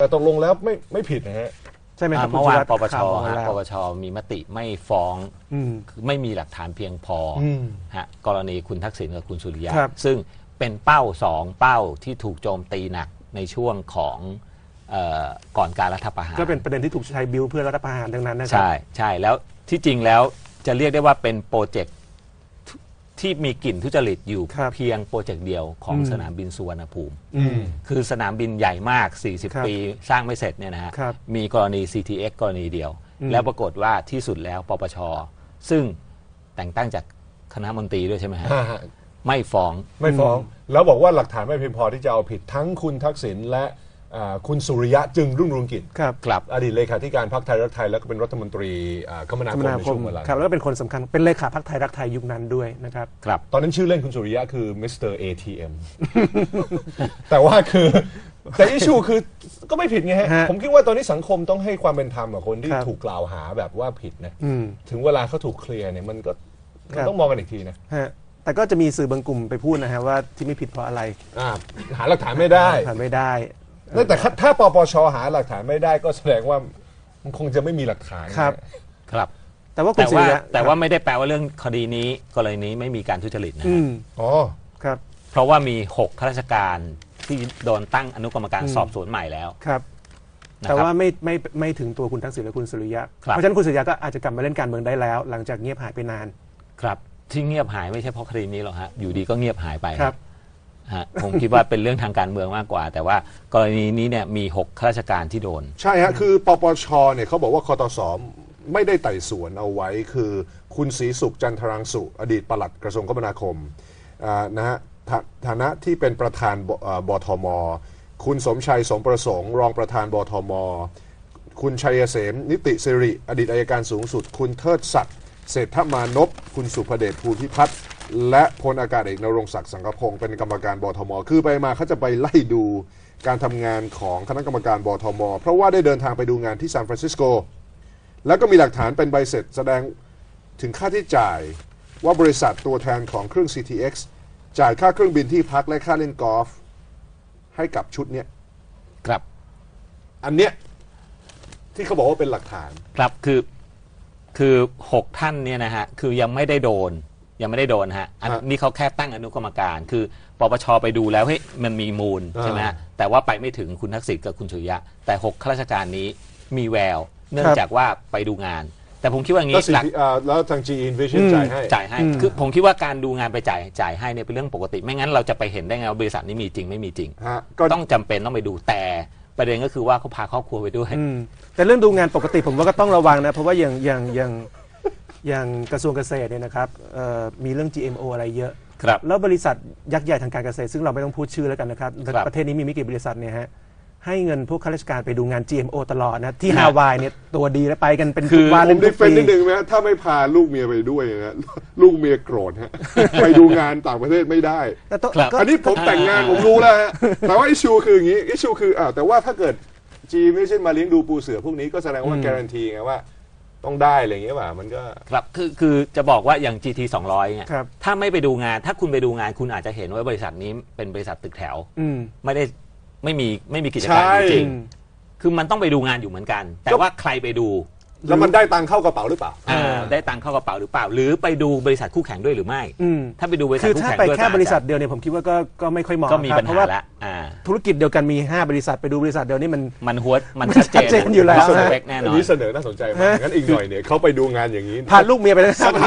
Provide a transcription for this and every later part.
แต่ตกลงแล้วไม่ผิดนะฮะใช่ไหมครับเมื่อวานปปชปปชมีมติไม่ฟ้องไม่มีหลักฐานเพียงพอฮะกรณีคุณทักษิณกับคุณสุริยะซึ่งเป็นเป้า2เป้าที่ถูกโจมตีหนักในช่วงของก่อนการรัฐประหารก็เป็นประเด็นที่ถูกใช้บิวเพื่อรัฐประหารดังนั้นนะครับใช่แล้วที่จริงแล้วจะเรียกได้ว่าเป็นโปรเจกต์ที่มีกลิ่นทุจริตอยู่เพียงโปรเจกต์เดียวของสนามบินสุวรรณภูมิคือสนามบินใหญ่มาก40ปีสร้างไม่เสร็จเนี่ยนะฮะมีกรณี CTX กรณีเดียวแล้วปรากฏว่าที่สุดแล้วปปชซึ่งแต่งตั้งจากคณะมนตรีด้วยใช่ไหมฮะไม่ฟ้องแล้วบอกว่าหลักฐานไม่เพียงพอที่จะเอาผิดทั้งคุณทักษิณและคุณสุริยะจึงรุ่งเรืองกิจครับอดีตเลขาธิการพรรคไทยรักไทยแล้วก็เป็นรัฐมนตรีคมนาคมในช่วงเวลาครับแล้วก็เป็นคนสำคัญเป็นเลขาพรรคไทยรักไทยยุคนั้นด้วยนะครับตอนนั้นชื่อเล่นคุณสุริยะคือมิสเตอร์ ATM แต่ว่าคือแต่อิชูคือก็ไม่ผิดไงฮะผมคิดว่าตอนนี้สังคมต้องให้ความเป็นธรรมกับคนที่ถูกกล่าวหาแบบว่าผิดนะถึงเวลาเขาถูกเคลียร์เนี่ยมันก็ต้องมองกันอีกทีนะแต่ก็จะมีสื่อบางกลุ่มไปพูดนะฮะว่าที่ไม่ผิดเพราะอะไรหาหลักฐานไม่ได้แต่ถ้าปปชหาหลักฐานไม่ได้ก็แสดงว่ามันคงจะไม่มีหลักฐานครับแต่ว่าไม่ได้แปลว่าเรื่องคดีนี้กรณีนี้ไม่มีการทุจริตนะครับเพราะว่ามี6ข้าราชการที่โดนตั้งอนุกรรมการสอบสวนใหม่แล้วครับแต่ว่าไม่ถึงตัวคุณทักษิณและคุณสุริยะเพราะฉะนั้นคุณสุริยะก็อาจจะกลับมาเล่นการเมืองได้แล้วหลังจากเงียบหายไปนานครับที่เงียบหายไม่ใช่เพราะคดีนี้หรอกฮะอยู่ดีก็เงียบหายไปครับผมคิดว่าเป็นเรื่องทางการเมืองมากกว่าแต่ว่ากรณีนี้เนี่ยมี6ข้าราชการที่โดนใช่ฮะคือปปชเนี่ยเขาบอกว่าคตส.ไม่ได้ไต่สวนเอาไว้คือคุณศรีสุขจันทรังสุอดีตปลัดกระทรวงคมนาคมนะฮะฐานะที่เป็นประธานบทม.คุณสมชัยสมประสงค์รองประธานบทม.คุณชัยเสมนิติสิริอดีตอัยการสูงสุดคุณเทิดศักดิ์เศรษฐมานพคุณสุภเดชภูพิพัฒน์และพลอากาศเอกนรงศักดิ์สังกพงศ์เป็นกรรมการบทม.คือไปมาเขาจะไปไล่ดูการทำงานของคณะกรรมการบทม.เพราะว่าได้เดินทางไปดูงานที่ซานฟรานซิสโกแล้วก็มีหลักฐานเป็นใบเสร็จแสดงถึงค่าที่จ่ายว่าบริษัทตัวแทนของเครื่อง CTX จ่ายค่าเครื่องบินที่พักและค่าเล่นกอล์ฟให้กับชุดเนี้ยครับอันเนี้ยที่เขาบอกว่าเป็นหลักฐานครับคือ6ท่านเนี่ยนะฮะคือยังไม่ได้โดนฮะอันนี้เขาแค่ตั้งอนุกรรมการคือปปชไปดูแล้วเฮ้ยมันมีมูลใช่ไหมฮะแต่ว่าไปไม่ถึงคุณทักษิณกับคุณสุริยะแต่6ข้าราชการนี้มีแววเนื่องจากว่าไปดูงานแต่ผมคิดว่างี้แล้วทาง GE Envision จ่ายให้คือผมคิดว่าการดูงานไปจ่ายให้เนี่ยเป็นเรื่องปกติไม่งั้นเราจะไปเห็นได้ไงว่าบริษัทนี้มีจริงไม่มีจริงต้องจำเป็นต้องไปดูแต่ประเด็นก็คือว่าเขาพาครอบครัวไปด้วยแต่เรื่องดูงานปกติผมว่าก็ต้องระวังนะเพราะว่าอย่างกระทรวงเกษตรเนี่ยนะครับมีเรื่อง GMO อะไรเยอะแล้วบริษัทยักษ์ใหญ่ทางการเกษตรซึ่งเราไม่ต้องพูดชื่อแล้วกันนะครับประเทศนี้มีไม่กี่บริษัทเนี่ยฮะให้เงินพวกข้าราชการไปดูงาน GMO ตลอดนะที่ฮาวายเนี่ยตัวดีแล้วไปกันเป็นคือผมได้เฟ้นนิดนึงไหมถ้าไม่พาลูกเมียไปด้วยนะลูกเมียโกรธฮะไปดูงานต่างประเทศไม่ได้อันนี้ผมแต่งงานผมรู้แล้วฮะแต่ว่าอิชูคืออย่างนี้อิชูคือแต่ว่าถ้าเกิด G ไม่ใช่มาเลี้ยงดูปูเสือพวกนี้ก็แสดงว่าการันตีไงว่าต้องได้อะไรอย่างเงี้ยป่ะมันก็ครับคือจะบอกว่าอย่าง GT 200เนี่ยถ้าไม่ไปดูงานถ้าคุณไปดูงานคุณอาจจะเห็นว่าบริษัทนี้เป็นบริษัทตึกแถวไม่มีกิจการจริงคือมันต้องไปดูงานอยู่เหมือนกันแต่ว่าใครไปดูแล้วมันได้ตังค์เข้ากระเป๋าหรือเปล่าได้ตังค์เข้ากระเป๋าหรือเปล่าหรือไปดูบริษัทคู่แข่งด้วยหรือไม่ถ้าไปดูบริษัทคู่แข่งด้วยคือถ้าไปแค่บริษัทเดียวเนี่ยผมคิดว่าก็ไม่ค่อยเหมาะครับเพราะว่าธุรกิจเดียวกันมี5บริษัทไปดูบริษัทเดียวนี่มันชัดเจนอยู่แล้วแน่นอนนี้เสนอน่าสนใจมากงั้นอีกหน่อยเนี่ยเขาไปดูงานอย่างนี้พาลูกเมียไปสัก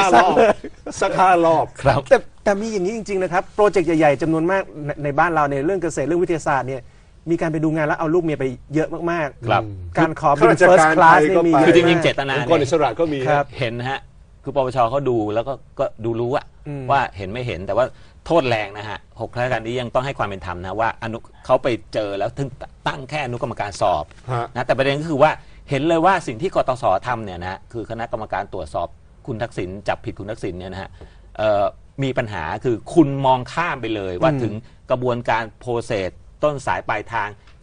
5 รอบครับแต่มีอย่างนี้จริงๆนะครับโปรเจกต์ใหญ่ๆจำนวนมากในบ้านเราในเรื่องเกษตรเรื่องวิทยาศาสตร์เนี่ยมีการไปดูงานแล้วเอาลูกเมียไปเยอะมากๆการขอบิน first class นี่มีคือจริงๆเจตนาองค์กรอิสระก็มีเห็นฮะคือปปชเขาดูแล้วก็ดูรู้ว่าเห็นไม่เห็นแต่ว่าโทษแรงนะฮะ6ข้าราชการนี้ยังต้องให้ความเป็นธรรมนะว่าเขาไปเจอแล้วถึงตั้งแค่อนุกรรมการสอบนะแต่ประเด็นก็คือว่าเห็นเลยว่าสิ่งที่กตส.ทำเนี่ยนะคือคณะกรรมการตรวจสอบคุณทักษิณจับผิดคุณทักษิณเนี่ยนะฮะมีปัญหาคือคุณมองข้ามไปเลยว่าถึงกระบวนการโปรเซสต้นสายปลายทาง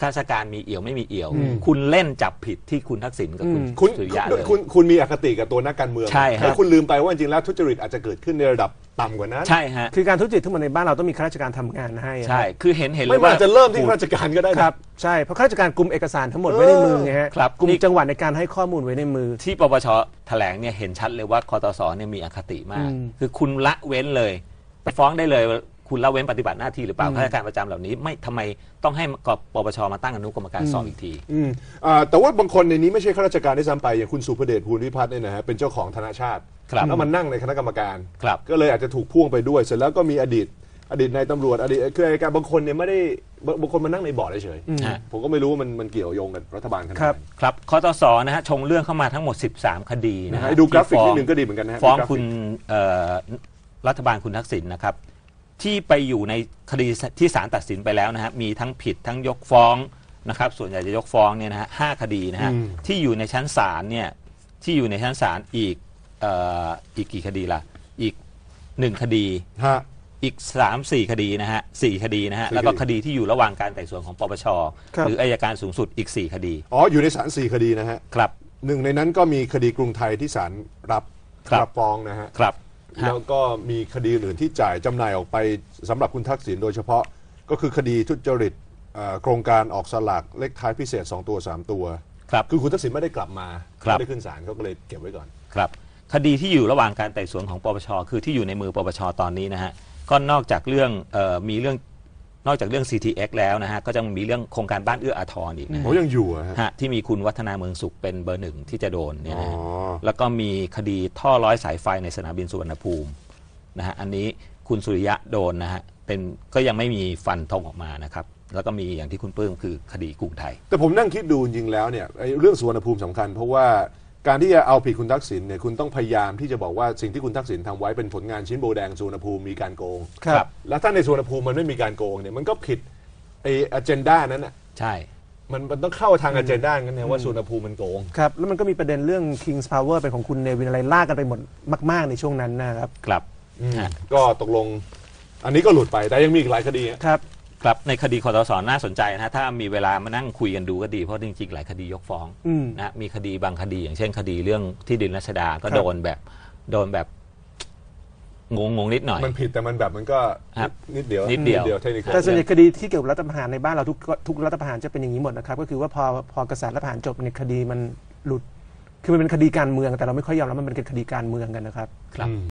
ข้าราชการมีเอี่ยวไม่มีเอี่ยว คุณเล่นจับผิดที่คุณทักษิณกับคุณคุณสุริยะเลยคุณมีอคติกับตัวนักการเมืองใช่ฮะแล้วคุณลืมไปว่าจริงๆแล้วทุจริตอาจจะเกิดขึ้นในระดับต่ำกว่านั้นใช่ฮะคือการทุจริตทั้งหมดในบ้านเราต้องมีข้าราชการทำงานให้ใช่คือเห็นเลไม่ยว่าว่าจะเริ่มที่ข้าราชการก็ได้คนะรับใช่เพราะข้าราชการกุมเอกสารทั้งหมดไว้ในมือไงฮะครับกุมจังหวัดในการให้ข้อมูลไว้ในมือที่ปปชแถลงเนี่ยเห็นชัดเลยว่าคตสเนี่ยมีอคติมาก คือคุณละเว้นเลยไปฟ้องได้เลยว่าคุณละเว้นปฏิบัติหน้าที่หรือเปล่าข้าราชการประจำเหล่านี้ไม่ทำไมต้องให้ปปชมาตั้งอนุกรรมการสอบอีกทีแต่ว่าบางคนในนี้ไม่ใช่ข้าราชการได้ซ้ำไปอย่างคุณสุภเดชภูลวิพัฒน์เนี่ยนะฮะเป็นเจ้าของธนาชาติครับแล้วมันนั่งในคณะกรรมการครับก็เลยอาจจะถูกพ่วงไปด้วยเสร็จแล้วก็มีอดีตนายตำรวจอดีตคืออัยการบางคนเนี่ยไม่ได้บางคนมานั่งในบอร์ดเฉยๆผมก็ไม่รู้ว่ามันเกี่ยวโยงกับรัฐบาลขนาดไหนครับคตสนะฮะชงเรื่องเข้ามาทั้งหมด 13 คดีนะฮะให้ดูกราฟิกที่นิดหนึ่งก็ดีเหมือนกันนะฮะฟ้องดูกราฟิกคุณรัฐบาลคุณทักษิณนะครับที่ไปอยู่ในคดีที่ศาลตัดสินไปแล้วนะฮะมีทั้งผิดทั้งยกฟ้องนะครับส่วนใหญ่จะยกฟ้องเนี่ยนะฮะ5 คดีนะฮะที่อยู่ในชั้นศาลเนี่ยที่อยู่ในชั้นศาลอีกกี่คดีล่ะอีก1 คดีฮะอีก 3-4 คดีนะฮะ4 คดีนะฮะ 4 แล้วก็คดีคดีที่อยู่ระหว่างการไต่สวนของปปชครับหรืออัยการสูงสุดอีก 4 คดีอ๋ออยู่ในศาล4 คดีนะฮะครับหนึ่งในนั้นก็มีคดีกรุงไทยที่ศาลรับครับรับฟ้องนะฮะครับฮะแล้วก็มีคดีอื่นที่จ่ายจำหน่ายออกไปสำหรับคุณทักษิณโดยเฉพาะก็คือคดีทุจริตโครงการออกสลากเลขท้ายพิเศษ2 ตัว 3 ตัวครับคือคุณทักษิณไม่ได้กลับมาครับไม่ได้ขึ้นศาลเขาก็เลยเก็บไว้ก่อนครับคดีที่อยู่ระหว่างการไต่สวนของปปชคือที่อยู่ในมือปปชตอนนี้นะฮะก็นอกจากเรื่องมีเรื่องนอกจากเรื่อง CTX แล้วนะฮะก็จะมีเรื่องโครงการบ้านเอื้ออาทรอีกนะโอ้ยังอยู่อะฮะฮะที่มีคุณวัฒนาเมืองสุขเป็นเบอร์ 1ที่จะโดนเนี่ยนะฮะอ๋อแล้วก็มีคดีท่อร้อยสายไฟในสนามบินสุวรรณภูมินะฮะอันนี้คุณสุริยะโดนนะฮะเป็นก็ยังไม่มีฟันธงออกมานะครับแล้วก็มีอย่างที่คุณปลื้มคือคดีกรุงไทยแต่ผมนั่งคิดดูจริงๆแล้วเนี่ยไอ้เรื่องสุวรรณภูมิสำคัญ เพราะว่าการที่จะเอาผิดคุณทักษิณเนี่ยคุณต้องพยายามที่จะบอกว่าสิ่งที่คุณทักษิณทำไว้เป็นผลงานชิ้นโบแดงสุวรรณภูมิมีการโกงครับแล้วถ้าในสุวรรณภูมิมันไม่มีการโกงเนี่ยมันก็ผิดไอ้ agenda นั้นน่ะใช่มันต้องเข้าทาง agenda นั้นเนี่ยว่าสุวรรณภูมิมันโกงครับแล้วมันก็มีประเด็นเรื่อง King's Power เป็นของคุณเนวินอะไรลากกันไปหมดมากๆในช่วงนั้นนะครับครับฮะก็ตกลงอันนี้ก็หลุดไปแต่ยังมีอีกหลายคดีอะครับครับในคดีคตสน่าสนใจนะฮะถ้ามีเวลามานั่งคุยกันดูก็ดีเพราะจริงๆหลายคดียกฟ้องนะมีคดีบางคดีอย่างเช่นคดีเรื่องที่ดินรัชดาก็ครับโดนแบบงงนิดหน่อยมันผิดแต่มันแบบมันก็ครับนิดเดียวนิดเดียวเทคนิคแต่ส่วนใหญ่คดีที่เกี่ยวกับรัฐประหารในบ้านเราทุกรัฐประหารจะเป็นอย่างนี้หมดนะครับก็คือว่าพอกษัตริย์รัฐประหารจบเนี่ยคดีมันหลุดคือมันเป็นคดีการเมืองแต่เราไม่ค่อยยอมรับมันเป็นคดีการเมืองกันนะครับครับ